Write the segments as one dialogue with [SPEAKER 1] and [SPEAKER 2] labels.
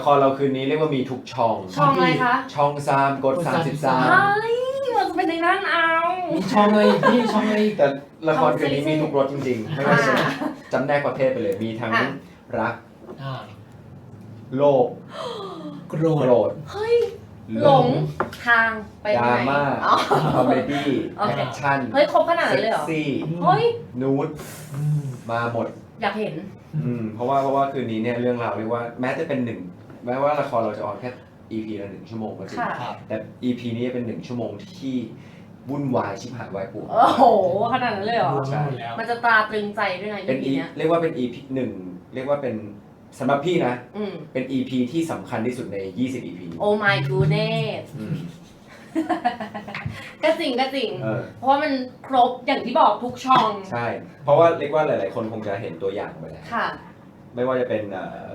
[SPEAKER 1] ครเราคืนนี้เรียกว่ามีทุกช่อง
[SPEAKER 2] ช่องอะไรคะ
[SPEAKER 1] ช่อง3กด
[SPEAKER 2] ใช่
[SPEAKER 1] 33
[SPEAKER 2] มันจะเป็นในนั้นเอา
[SPEAKER 3] มีช่องอะไรอีกพี่ช่องอะไรอีก
[SPEAKER 1] แต่ละครคืนนี้มีทุกรสจริงๆ ไม่ว่าจะจำแนกประเภทไปเลย มีทั้งรัก
[SPEAKER 3] อ่า
[SPEAKER 1] โลภ
[SPEAKER 3] โกร
[SPEAKER 1] โก
[SPEAKER 3] ธ
[SPEAKER 1] รธ
[SPEAKER 2] เฮ้ยหลงทางไป
[SPEAKER 1] ด
[SPEAKER 2] ไหน
[SPEAKER 1] ราม่า
[SPEAKER 2] อ๋อ
[SPEAKER 1] คอมเมดี้
[SPEAKER 2] โอเค
[SPEAKER 1] แอคชั่น
[SPEAKER 2] เฮ้ยครบขนาดนั้
[SPEAKER 1] เซ็
[SPEAKER 2] นเลยเหรอ
[SPEAKER 1] กซี่
[SPEAKER 2] เฮ้ย
[SPEAKER 1] นูด
[SPEAKER 3] อืม
[SPEAKER 1] มาหมด
[SPEAKER 2] อยากเห็น
[SPEAKER 1] เพราะว่าคืนนี้เนี่ยเรื่องราวเรียกว่าแม้จะเป็นแม้ว่าละครเราจะออนแค่ EP ละ1 ชั่วโมงก็จริง
[SPEAKER 2] ค่ะ
[SPEAKER 3] ครับ
[SPEAKER 1] แต่ EP นี้เป็น1 ชั่วโมงที่วุ่นวายชิบหายวายป่วง
[SPEAKER 2] โอ้โหขนาดนั้นเลยเหรอ
[SPEAKER 3] ดูมาหมดแล้ว
[SPEAKER 2] มันจะตราตรึงใจด้วยนะ
[SPEAKER 1] เป็น
[SPEAKER 2] EP เนี้ย
[SPEAKER 1] เรียกว่าเป็น EP 1เรียกว่าเป็นสำหรับพี่นะ
[SPEAKER 2] อืม
[SPEAKER 1] เป็น EP ที่สำคัญที่สุดใน20 EP
[SPEAKER 2] โอ้ my goodness
[SPEAKER 1] อืม
[SPEAKER 2] ก็จริงก็จริง
[SPEAKER 1] เออ
[SPEAKER 2] เพราะว่ามันครบอย่างที่บอกทุกช่อง
[SPEAKER 1] ใช่ เพราะว่าเรียกว่าหลายๆคนคงจะเห็นตัวอย่างไปแล้ว
[SPEAKER 2] ค่ะ
[SPEAKER 1] ไม่ว่าจะเป็น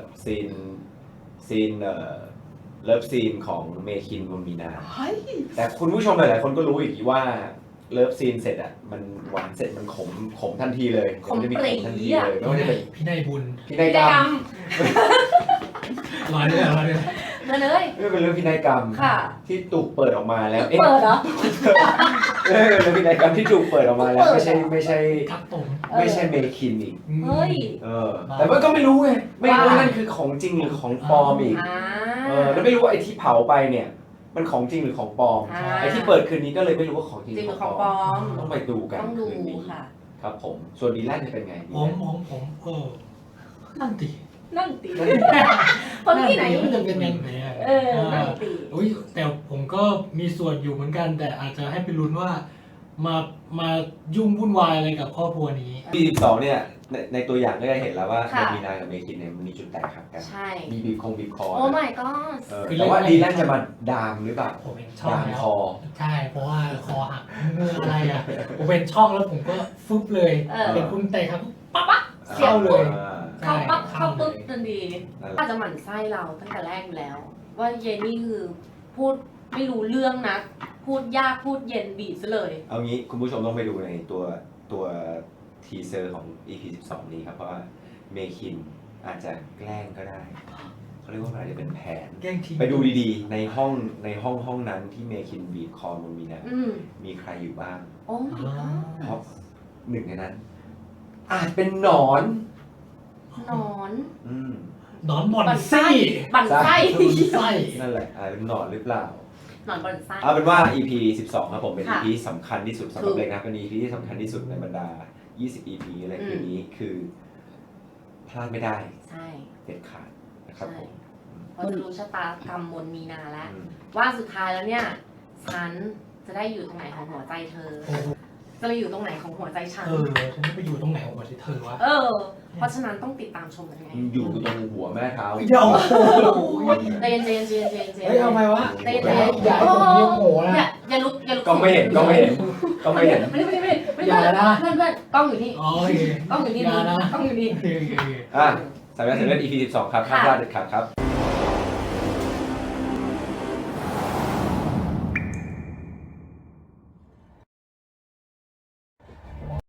[SPEAKER 1] ซีนเลิฟซีนของเมคินวงมีนา
[SPEAKER 2] เฮ้ย
[SPEAKER 1] แต่คุณผู้ชมหลายๆคนก็รู้อีกว่าเลิฟซีนเสร็จอ่ะมันหวานเสร็จมันขมทันทีเลย
[SPEAKER 2] ขม
[SPEAKER 1] นจะมี
[SPEAKER 2] ปรี๊
[SPEAKER 1] ขมทันทีเลยไม่ว่าจะเป็น
[SPEAKER 3] พี่นายบุญ
[SPEAKER 1] พินัย
[SPEAKER 2] กิ
[SPEAKER 1] ก
[SPEAKER 2] จ
[SPEAKER 1] รร
[SPEAKER 2] กรร
[SPEAKER 1] ม
[SPEAKER 2] ม
[SPEAKER 3] รอด้วยรอด้วย
[SPEAKER 2] มาเลย
[SPEAKER 1] ไม่เป็นเรื่องพินัยกรรม
[SPEAKER 2] ค่ะ
[SPEAKER 1] ที่ถูกเปิดออกมาแล้ว
[SPEAKER 2] เปิดเหรอ
[SPEAKER 1] เรื่องพินัยกรรมที่ถูกเปิดออกมาแล้ว
[SPEAKER 2] เปิด
[SPEAKER 1] ไม่ใช่
[SPEAKER 3] ครับผม
[SPEAKER 1] ไม่ใช่เมคินอีก
[SPEAKER 2] เฮ้ย
[SPEAKER 1] แต่มันก็ไม่รู้ไงไม่รู้ว่านั่นคือของจริงหรือของปลอมอีก
[SPEAKER 2] อ่า
[SPEAKER 1] แล้วไม่รู้ว่าไอ้ที่เผาไปเนี่ยมันของจริงหรือของปลอม
[SPEAKER 2] อ่า
[SPEAKER 1] ไอ้ที่เปิดคืนนี้ก็เลยไม่รู้ว่าของจริง
[SPEAKER 2] จริง
[SPEAKER 1] ห
[SPEAKER 2] ห
[SPEAKER 1] รื
[SPEAKER 2] รือ อ
[SPEAKER 1] ข
[SPEAKER 2] ข
[SPEAKER 1] อ
[SPEAKER 2] อง ง
[SPEAKER 1] ป
[SPEAKER 2] ป
[SPEAKER 1] ล
[SPEAKER 2] ล
[SPEAKER 1] อ
[SPEAKER 2] อ
[SPEAKER 1] ม
[SPEAKER 2] ม
[SPEAKER 1] ต้องไปดูกัน
[SPEAKER 2] ต้องดู
[SPEAKER 1] คืนนี้
[SPEAKER 2] ค่ะ
[SPEAKER 1] ครับผมส่วนดีแลนจะเป็นไง
[SPEAKER 3] ผมนั่นติ
[SPEAKER 2] นั่งตีคนที่ไหน
[SPEAKER 3] มันจะเป็นยังไงอะ
[SPEAKER 2] นั่งตี
[SPEAKER 3] อุ้ยแต่ผมก็มีส่วนอยู่เหมือนกัน แต่อาจจะให้ไปลุ้นว่ามายุ่งวุ่นวายอะไรกับครอบครัวนี้
[SPEAKER 1] ปี12เนี่ยในตัวอย่างก็จะเห็นแล้วว่า
[SPEAKER 2] ค่ะ
[SPEAKER 1] มีนากับเมคินเนี่ยมันมีจุดแตกหักกัน
[SPEAKER 2] ใช่
[SPEAKER 1] มีบีบคอ
[SPEAKER 2] โอ้ my god
[SPEAKER 1] แต่ว่าดีแลนจะมาดามหรือเปล่า
[SPEAKER 3] ผมเป็นช่อง
[SPEAKER 1] ดาม
[SPEAKER 3] แล้ว
[SPEAKER 1] คอ
[SPEAKER 3] ใช่เพราะว่าคอหักเมื่ออะไรอ่ะผมเป็นช่องแล้วผมก็ฟึบเลย
[SPEAKER 2] เออ
[SPEAKER 3] เห็นคุณเตะครับ
[SPEAKER 2] ปั๊บปั๊บ
[SPEAKER 3] เข้าเลย
[SPEAKER 2] เข้าปั๊บเข้าปุ๊บ
[SPEAKER 3] เลย
[SPEAKER 2] ทันที
[SPEAKER 1] นั่นแหละ
[SPEAKER 2] อาจจะหมั่นไส้เราตั้งแต่แรกอยู่แล้ว ว่าเยนนี่คือพูดไม่รู้เรื่องนะ พูดยากพูดเย็นบีบซะเลย
[SPEAKER 1] เอางี้คุณผู้ชมต้องไปดูในตัวทีเซอร์ของ EP 12 นี้ครับ เพราะว่าเมคินอาจจะแกล้งก็ได้เขาเรียกว่าอะไรจะเป็นแผน
[SPEAKER 3] แกล้งที
[SPEAKER 1] ไปดูดีๆ ในห้องนั้นที่เมคินบีบคอมูมีนา
[SPEAKER 2] อืม
[SPEAKER 1] มีใครอยู่บ้าง
[SPEAKER 2] โอ้ my god
[SPEAKER 1] เพราะหนึ่งในนั้น อาจเป็นหนอน
[SPEAKER 2] นอน
[SPEAKER 1] อืม
[SPEAKER 3] หนอนบ่อนซี่
[SPEAKER 2] บั่นไส้
[SPEAKER 3] ไส้
[SPEAKER 1] นั่นแหละอาจเป็นหนอนหรือเปล่า
[SPEAKER 2] นอนบั่นไส้
[SPEAKER 1] เอาเป็นว่า EP 12 ครับผมเป็น
[SPEAKER 2] ค่ะ
[SPEAKER 1] EP ที่สำคัญที่สุดสำหรับเล็กนะเป็น EP ที่สำคัญที่สุดในบรรดา 20 EP อะไรคืนนี้คือพลาดไม่ได้
[SPEAKER 2] ใช่
[SPEAKER 1] เด็ดขาดนะครับผม
[SPEAKER 2] เพราะจะรู้ชะตากรรมมนมีนาแล้ว
[SPEAKER 1] อืม
[SPEAKER 2] ว่าสุดท้ายแล้วเนี่ย ฉันจะได้อยู่ตรงไหนของหัวใจเธอ จะไปอยู่ตรงไหนของหัวใจฉัน
[SPEAKER 3] ฉันจะไปอยู่ตรงไหนของหัวใจเธอวะ
[SPEAKER 2] เพราะฉะนั้นต้องติดตามชมกันไง
[SPEAKER 1] อยู่ตรงหัวแม่เท้า
[SPEAKER 3] เดี๋ยวโอ้โห
[SPEAKER 2] เจนเจนเจนเจนเจน
[SPEAKER 3] เฮ้ยเอาไงวะ
[SPEAKER 2] เจน
[SPEAKER 3] อย่า
[SPEAKER 2] เจน
[SPEAKER 3] อย่าให้ผมเรียกโหนะ
[SPEAKER 2] อย่าลุกอย่าลุก
[SPEAKER 1] ก็ไม่เห็นก็ไม่เห็นก็ไม่เห็น
[SPEAKER 2] ไม่ได้
[SPEAKER 3] อย่านะ
[SPEAKER 2] เพื่อนเพื่อนกล้องอยู่นี่
[SPEAKER 3] อ๋อโอเค
[SPEAKER 2] กล้องอยู่นี่
[SPEAKER 3] อย่านะ
[SPEAKER 2] กล้องอยู่นี่
[SPEAKER 3] โอเคโอเค
[SPEAKER 1] อ่ะสำหรับEP 12 ครับห้ามพลาดเด็ดขาดครับ